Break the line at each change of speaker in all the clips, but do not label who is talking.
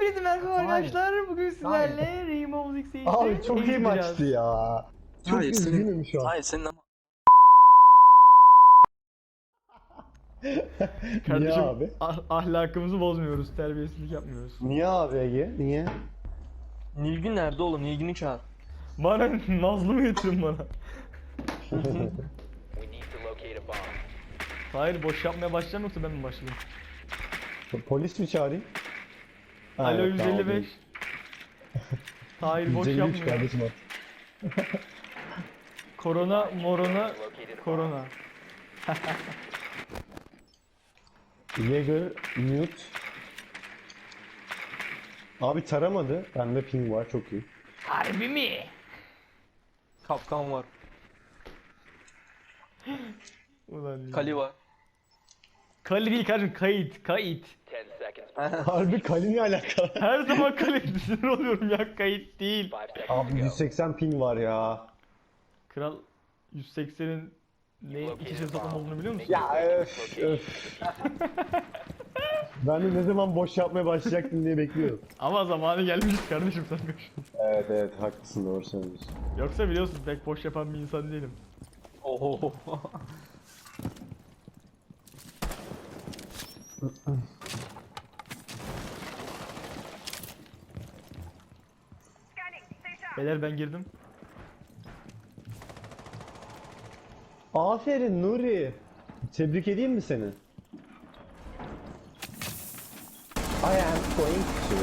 Hepinize merhaba arkadaşlar. Bugün sizlerle Rainbow Six Siege'de
Abi çok iyi maçtı ya. Çok üzgünüm şu an.
Hayır senin ama.
Kardeşim,
Niye abi?
ahlakımızı bozmuyoruz, terbiyesizlik yapmıyoruz.
Niye abi Ege? Niye?
Nilgün nerede oğlum? Nilgün'ü çağır.
Bana Nazlı mı getirin bana? Hayır, boş yapmaya başlayacağım yoksa ben mi başlayayım?
Polis mi çağırayım? Ha,
Alo
yok, tamam,
155.
değil.
Hayır, boş
153
yapmıyor.
kardeşim at.
Korona, morona, korona.
Jäger, mute. Abi taramadı. Bende ping var çok iyi.
Harbi mi?
Kapkan var.
Ulan
Kali var.
Kali değil kardeşim, kayıt, kayıt.
Harbi Kali ne alakalı?
Her zaman kayıt, sinir oluyorum ya, kayıt değil.
Abi 180 ping var ya.
Kral 180'in ne ikisi satın olduğunu biliyor musun?
Ya öf. Ben de ne zaman boş yapmaya başlayacaktım diye bekliyorum.
Ama zamanı gelmiş kardeşim, sen gör.
Evet haklısın, doğru söylüyorsun.
Yoksa biliyorsun pek boş yapan bir insan değilim.
Oho.
Beyler ben girdim.
Aferin Nuri. Tebrik edeyim mi seni? I am going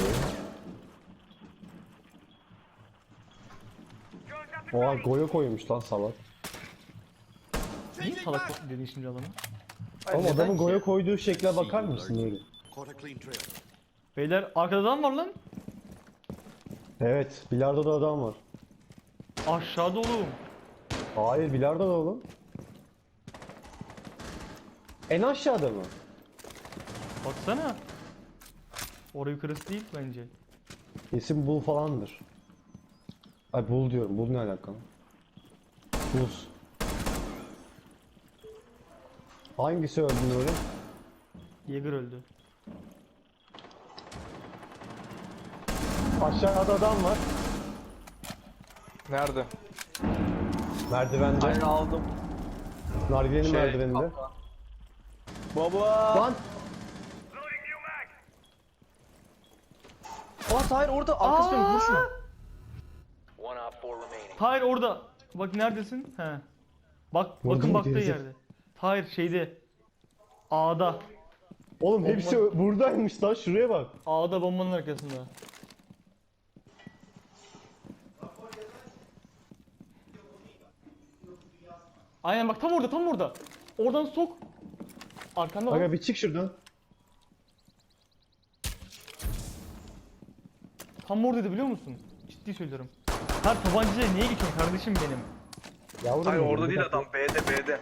to... Oha Goya koymuş lan salak.
Niye salak dedin şimdi adamı?
Ama adamın Goya koyduğu şekle bakar mısın Nuri?
Beyler arkada adam var lan.
Evet, bilardoda adam var.
Aşağıda oğlum.
Hayır, bilardoda oğlum. En aşağıda mı?
Baksana. Orayı yukarısı değil bence.
İsim Bull falandır. Ay Bull diyorum, Bull ne alakalı? Buz. Hangisi öldü Nuri?
Jäger öldü.
Aşağıda adam var.
Nerede?
Merdivende.
Aynen aldım.
Nargilenin merdiveninde.
kapkan. Baba.
Lan!
Aa hayır orada arkası dönük vur şunu.
Hayır orada. Bak neredesin? He. Bak
Vurdum
bakın
mu
baktığı
gerizek-
yerde. Hayır şeyde. A'da.
Oğlum hepsi buradaymış lan, şuraya bak.
A'da bombanın arkasında. Aynen bak tam orada tam orada. Oradan sok. Arkanda bak.
Aga bir çık şuradan.
Tam oradaydı biliyor musun? Ciddi söylüyorum. Her tabancayla niye geçiyorsun kardeşim benim?
Yavrum
Hayır
benim,
orada
bir
değil
dakika.
adam B'de.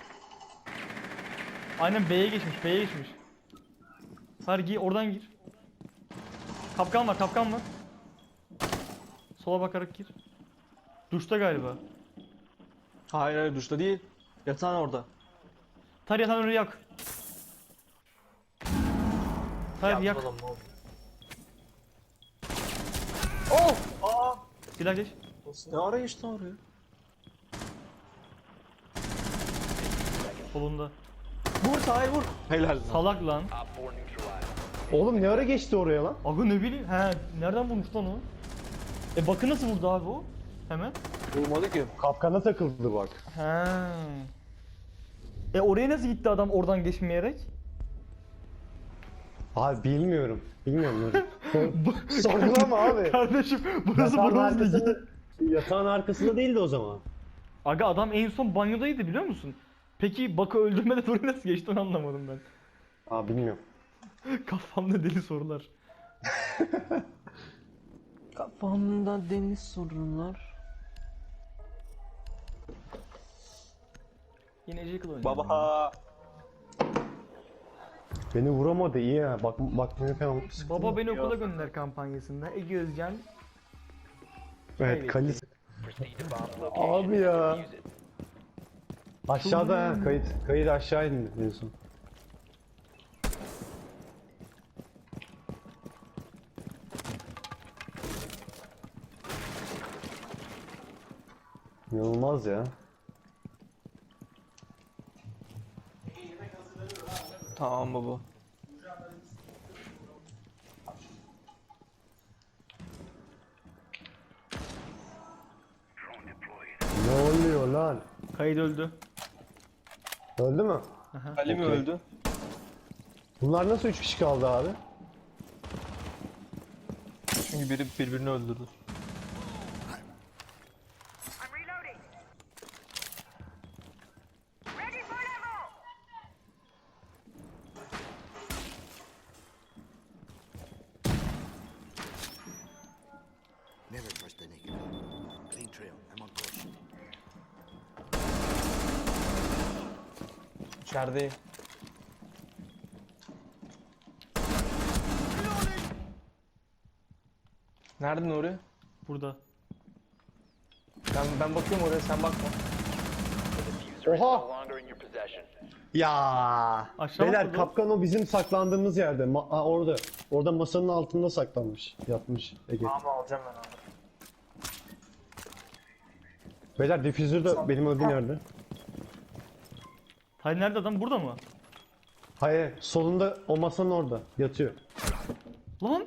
Aynen B'ye geçmiş, B'ye geçmiş. Hayır gir, oradan gir. Kapkan var, kapkan var. Sola bakarak gir. Duşta galiba.
Hayır duşta değil. Yatağın orada.
Tar yatan önü yak. Tar yak.
Adam ne oldu?
Oh! Aa! Silah geç.
Ne ara geçti oraya?
Solunda.
Vur Tahir vur. Helal lan.
Salak lan.
Oğlum ne ara geçti oraya lan?
Aga ne bileyim. He, nereden bulmuş lan o? Bakın nasıl vurdu abi o? Hemen.
Vurmadı ki.
Kapkana takıldı bak.
He. Oraya nasıl gitti adam oradan geçmeyerek?
Abi bilmiyorum. Bilmiyorum Nuri. Sorgulama abi.
Kardeşim burası
Yatağın
bronz ligi.
arkasında, yatağın arkasında değildi o zaman.
Aga adam en son banyodaydı biliyor musun? Peki Bak'ı öldürmeden oraya nasıl geçti onu anlamadım ben.
Aa bilmiyorum.
Kafamda deli sorular.
Kafamda deniz sorunlar.
Yine Jekyll oynuyor.
Baba.
Beni vuramadı iyi ya. Bak beni falan sıktı.
Baba beni okula gönder kampanyasında Ege Özcan.
Evet Kalis. Abi ya. Aşağıda ha kayıt aşağı indi en son. İnanılmaz ya.
Tamam baba.
Ne oluyor lan?
Kayıt öldü.
Öldü mü?
Ali mi
Okey.
öldü?
Bunlar nasıl 3 kişi kaldı abi?
Çünkü biri birbirini öldürdü.
I'm reloading. Ready for level.
Never trust the naked. Clean trail. I'm on course.
İçerideyim. Nerede Nuri?
Burada.
Ben bakıyorum oraya, sen bakma.
Oha! Ya.
Aşağı
Beyler
atladı.
kapkan o bizim saklandığımız yerde. Orada. Orada masanın altında saklanmış. Yatmış Ege.
Tamam alacağım ben abi.
Beyler difüzör de benim öldüğüm yerde.
Hayır nerede adam? Burada mı?
Hayır, solunda o masanın orada yatıyor.
Lan!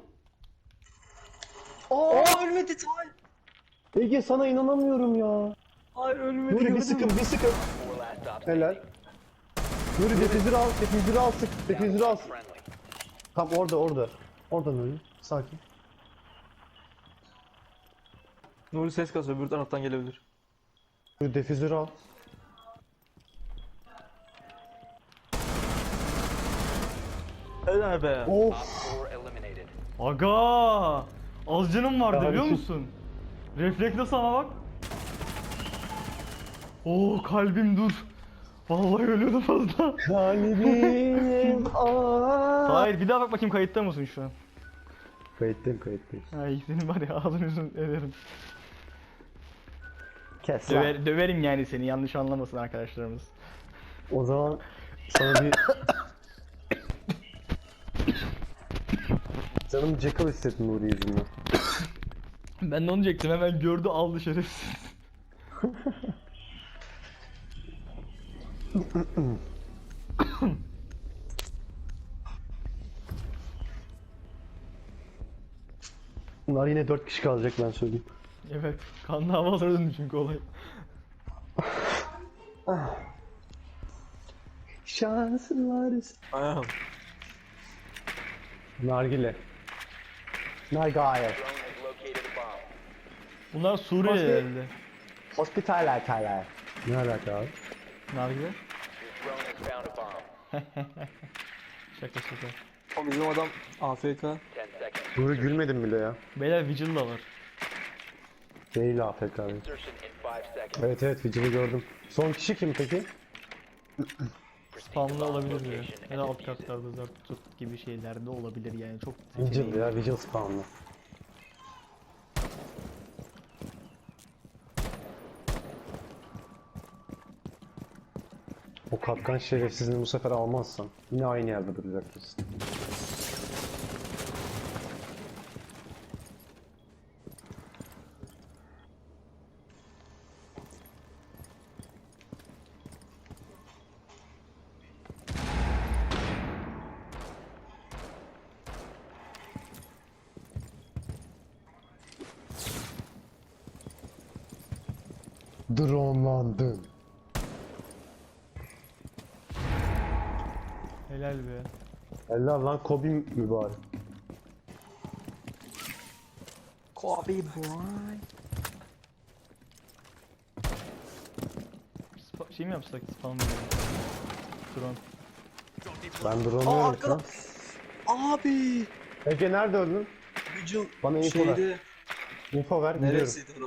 Ölmedi Tay.
Ege sana inanamıyorum ya.
Hayır ölmedi.
Nuri bir sıkın, bir sıkın. Helal. Nuri difüzörü al, difüzörü al sık, difüzörü al. Tam orada, orada. Orada Nuri, sakin.
Nuri ses kasıyor, öbür taraftan gelebilir.
Nuri difüzörü al.
Helal be.
Of.
Aga! Az canım vardı biliyor
Kardeşim.
musun? Reflekle sana bak. Oo kalbim dur. Vallahi ölüyordum fazla.
Kalbim
Hayır bir daha bak bakayım kayıtta mısın şu an?
Kayıttayım, kayıttayım.
Ay senin var ya ağzını yüzünü ederim.
Kes lan.
Döverim yani seni yanlış anlamasın arkadaşlarımız.
O zaman sana bir... Canım Jekyll hissettim Nuri yüzünden.
Ben de onu diyecektim hemen gördü aldı şerefsiz.
Bunlar yine 4 kişi kalacak ben söyleyeyim.
Evet kanlı havalara döndü çünkü olay.
Şanslar.
Aynen.
Nargile. Nargile.
Bunlar Suriyeli
Başka-
herhalde.
Hospitaler taler. Ne alaka abi?
Nargile. Şaka şaka.
O bizim adam AFK.
Nuri gülmedim bile ya.
Beyler Vigil da var.
Değil AFK abi. Evet evet Vigil'i gördüm. Son kişi kim peki?
Spamlı olabilir diyor. Ya da alt katlarda zart tut gibi şeylerde olabilir yani çok
Vigil
seçeneği.
ya Vigil spawnlı. O kapkan şerefsizini bu sefer almazsan yine aynı yerde duracaksın. Dronelandın.
Helal be.
Helal lan Kobe mübarek.
Kobe boy.
Şey mi yapsak spam mı? Drone.
Ben drone'u
arkada. Abi.
Ege nerede öldün?
Vigil
Bana info ver.
şeyde.
Info ver gidiyorum.
Neresiydi o?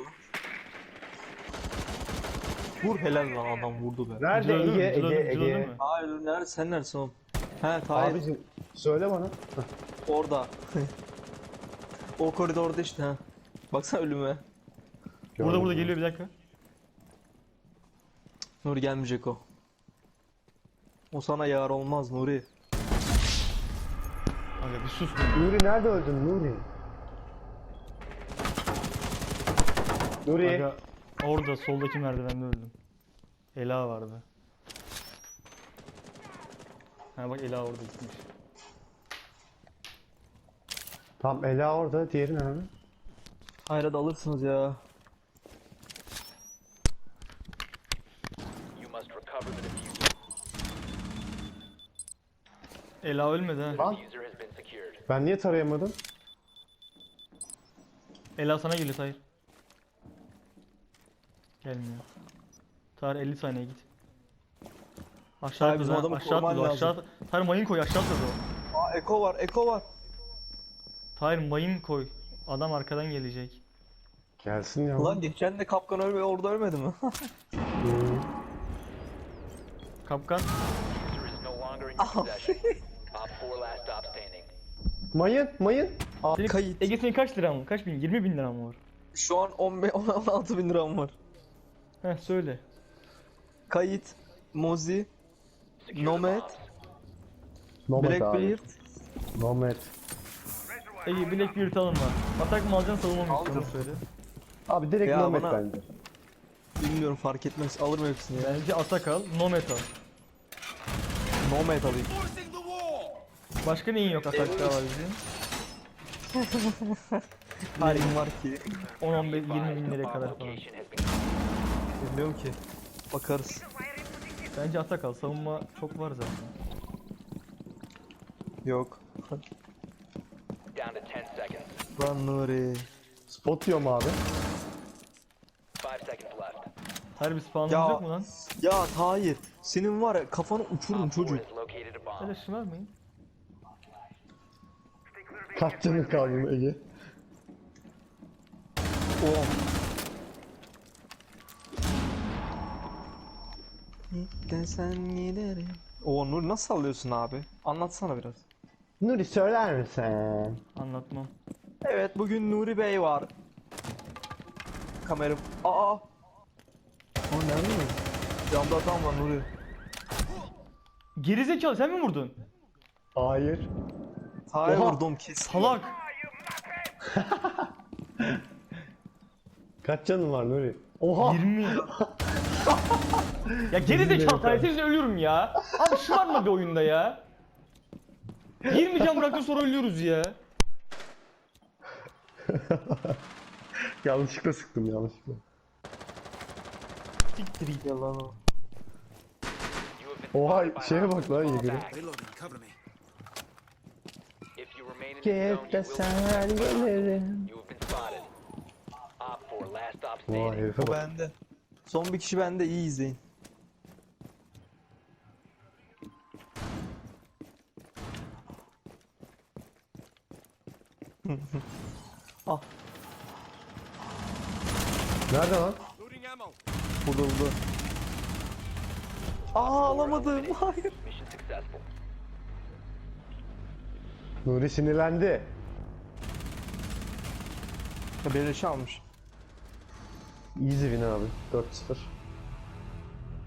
Vur helal lan adam vurdu be.
Nerede
Vigil öldü mü?
Ege?
Vigil öldü-
Ege
Vigil öldü
Ege.
mü?
Hayır nerede sen neredesin oğlum? He Tahir
Abicim söyle bana.
orada. O koridorda işte ha. Baksana ölüme.
Burada geliyor bir dakika.
Nuri gelmeyecek o. O sana yar olmaz Nuri.
Aga bir sus.
Nuri nerede öldün Nuri? Nuri.
Aga Orada soldaki merdivende öldüm. Ela vardı. Ha bak Ela orada gitmiş.
Tam Ela orada, diğeri nerede?
Hayır hadi alırsınız ya.
You must recover the diffuser.
Ela ölmedi ha.
Lan
Diffuser has been secured.
ben niye tarayamadım?
Ela sana geliyor Tahir. Gelmiyor. Tahir 50 saniye git. Aşağı
Tahir,
atladı
bizim
ha,
adamı
aşağı
koruman
atladı, aşağı
lazım.
atladı. Tahir mayın koy, aşağı atladı o.
Aa Eko var, Eko var.
Tahir mayın koy. Adam arkadan gelecek.
Gelsin ya.
Ulan geçen de kapkan orada ölmedi mi?
Hmm.
Kapkan.
Diffuser is no longer in your possession. Op 4 last stop standing.
Mayın. Aa,
Senin
Kayıt.
Ege senin kaç liran var? Kaç bin? 20 bin liran mı var?
Şu an 16 bin liram var.
Heh söyle.
Kayıt, Mozi,
Secure the
Nomad,
bombs.
Nomad abi.
Blackbeard.
Nomad.
Ege Blackbeard alın var. Atak mı alacaksın savunma mı istiyorsun söyle.
Abi direkt
Ya
Nomad
bana-
bence.
Bilmiyorum fark etmez. Alırım hepsini ya.
Bence atak al, Nomad al.
Nomad alayım.
Forcing the wall!
Başka neyin yok atakta var bizim?
Halim var ki.
10-15 20 bin
The
liraya
bomb
kadar falan.
location has been
Bilmiyorum ki. Bakarız.
Bence atak al, savunma çok var zaten.
Yok.
down to 10 seconds.
Lan Nuri.
Spot diyorum abi.
5 seconds left.
Her bir spawnımız
Ya.
yok mu lan?
Ya hayır. Senin var ya kafanı uçururum
Op 4
çocuk.
has located a bomb.
Öyle şımarmayın.
Kaç canın kaldı Ege?
Oh. Desen giderim. Oo Nuri nasıl sallıyorsun abi? Anlatsana biraz.
Nuri söyler misin?
Anlatmam.
Evet bugün Nuri Bey var. Kameram. Aa.
O ne mi?
Camda adam var Nuri.
Gerizekalı sen mi vurdun?
Hayır.
Hayır
Oha.
vurdum kesin.
Salak.
Kaç canın var Nuri? Oha!
20. Ya gerizekalı Tahir sen ölüyorum ya. Abi şımarma bir oyunda ya. 20 can bıraktın sonra ölüyoruz ya.
Yanlışlıkla sıktım yanlışlıkla.
Siktir git.
Yalan o.
You have been
Oha
spotted by
şeye bak
hostiles.
lan
Fall
Yeger'e.
back.
Reloading, cover me.
If you remain in the
Gel
zone,
de
you will
sen gelirim.
You have been spotted. Op 4 last stop
Vay
standing.
herife
O
bak.
bende. Son bir kişi bende iyi izleyin. Ah
Nerede lan?
Loading ammo.
burada. Aa alamadım. Hayır.
Mission successful.
Nuri sinirlendi.
Beleşi almış.
Easy win abi. 4-0.